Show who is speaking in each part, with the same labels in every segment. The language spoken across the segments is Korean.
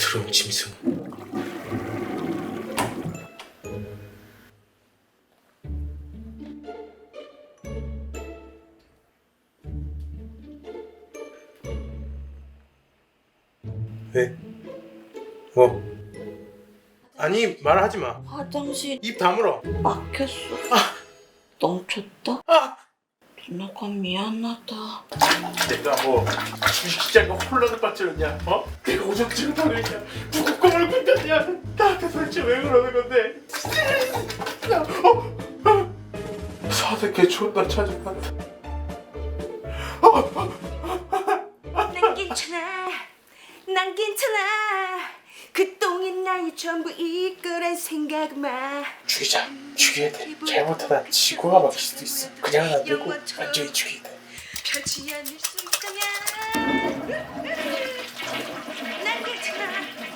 Speaker 1: 더러운 짐승. 왜? 뭐? 아니 말하지 마.
Speaker 2: 화장실
Speaker 1: 입 다물어.
Speaker 2: 막혔어. 넘쳤다?
Speaker 1: 아!
Speaker 2: 누나가 미안하다.
Speaker 1: 내가 뭐 주식시장에 혼란을 빠뜨렸냐? 어? 내가 오죽지를 당했냐? 누구 꿈을 꾼다냐? 나한테 도대체 왜 그러는 건데? 사대개 존나 찾아간다.
Speaker 2: 난 괜찮아. 난 괜찮아. 그 똥이 나의 전부 이거란 생각 마.
Speaker 1: 죽이자. 죽여야 돼. 잘못하다 지구가 막힐 수도 있어. 그냥은 안 되고 완전히 죽여야 돼.
Speaker 2: 펼치 않을 수 있다면 난 괜찮아.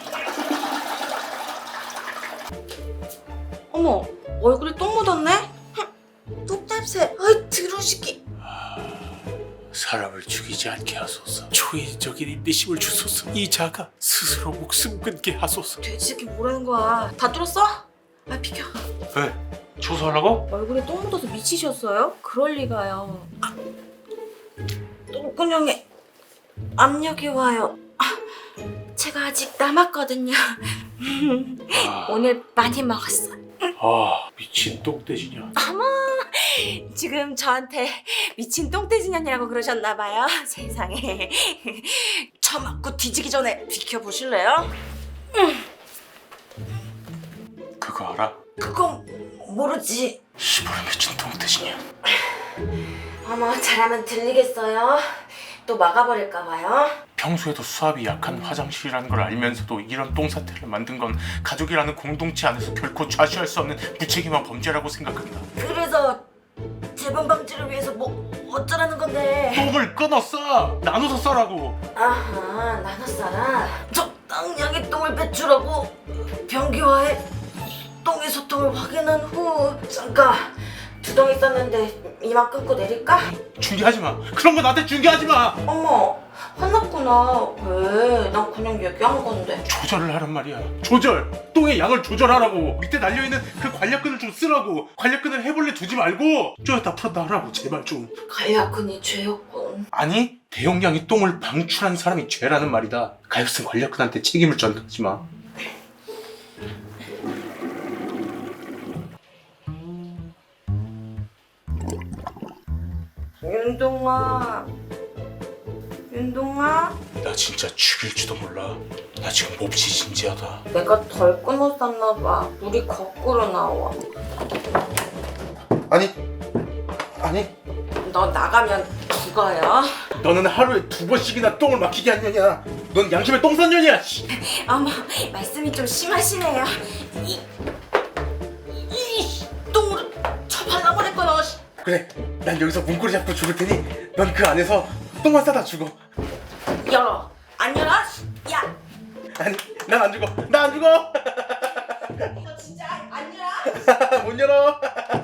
Speaker 2: 어머, 얼굴에 똥 묻었네? 똥 냄새. 아이 드러시기.
Speaker 1: 사람을 죽이지 않게 하소서. 초인적인 인내심을 주소서. 이 자가 스스로 목숨 끊게 하소서.
Speaker 2: 돼지새끼 뭐라는 거야? 다 뚫었어? 아 비켜.
Speaker 1: 왜? 조소하라고?
Speaker 2: 얼굴에 똥 묻어서 미치셨어요? 그럴 리가요. 똥구녕에 압력이 와요. 제가 아직 남았거든요. 오늘 많이 먹었어.
Speaker 1: 미친 똥돼지냐.
Speaker 2: 어머, 지금 저한테 미친 똥돼지년이라고 그러셨나봐요. 세상에. 처맞고 뒤지기 전에 비켜보실래요?
Speaker 1: 그거 알아?
Speaker 2: 그건 모르지.
Speaker 1: 시부름 미친 똥돼지냐.
Speaker 2: 어머, 잘하면 들리겠어요? 또 막아버릴까봐요?
Speaker 1: 평소에도 수압이 약한 화장실이라는 걸 알면서도 이런 똥사태를 만든 건 가족이라는 공동체 안에서 결코 좌시할 수 없는 무책임한 범죄라고 생각한다.
Speaker 2: 그래서 재발 방지를 위해서 뭐 어쩌라는 건데?
Speaker 1: 똥을 끊어 써! 나눠서 써라고!
Speaker 2: 아하, 나눠 싸라. 적당량의 똥을 배출하고 변기와의 똥의 소통을 확인한 후 잠깐 두덩이 쌌는데 이만 끊고 내릴까?
Speaker 1: 중계하지 마! 그런 거 나한테 중계하지 마!
Speaker 2: 어머, 화났구나. 왜? 난 그냥 얘기한 건데.
Speaker 1: 조절을 하란 말이야. 조절! 똥의 양을 조절하라고! 밑에 달려있는 그 관략근을 좀 쓰라고! 관략근을 해볼래 두지 말고! 쪼였다 풀었다 하라고 제발 좀.
Speaker 2: 관략근이 죄였군.
Speaker 1: 아니 대용량의 똥을 방출한 사람이 죄라는 말이다. 가엾은 관략근한테 책임을 전가하지 마.
Speaker 2: 윤동아, 윤동아.
Speaker 1: 나 진짜 죽일지도 몰라. 나 지금 몹시 진지하다.
Speaker 2: 내가 덜 끊었었나 봐. 물이 거꾸로 나와.
Speaker 1: 아니
Speaker 2: 너 나가면 죽어요.
Speaker 1: 너는 하루에 2번씩이나 똥을 막히게 한 년이야. 넌 양심의 똥산년이야.
Speaker 2: 어머, 말씀이 좀 심하시네요. 이 똥으로 저 발라버릴 거요.
Speaker 1: 그래, 난 여기서 문고리 잡고 죽을 테니 넌 그 안에서 똥만 싸다 죽어.
Speaker 2: 열어. 안 열어? 야,
Speaker 1: 아니, 난 안 죽어. 나 안 죽어.
Speaker 2: 너 진짜 안 열어?
Speaker 1: 못 열어.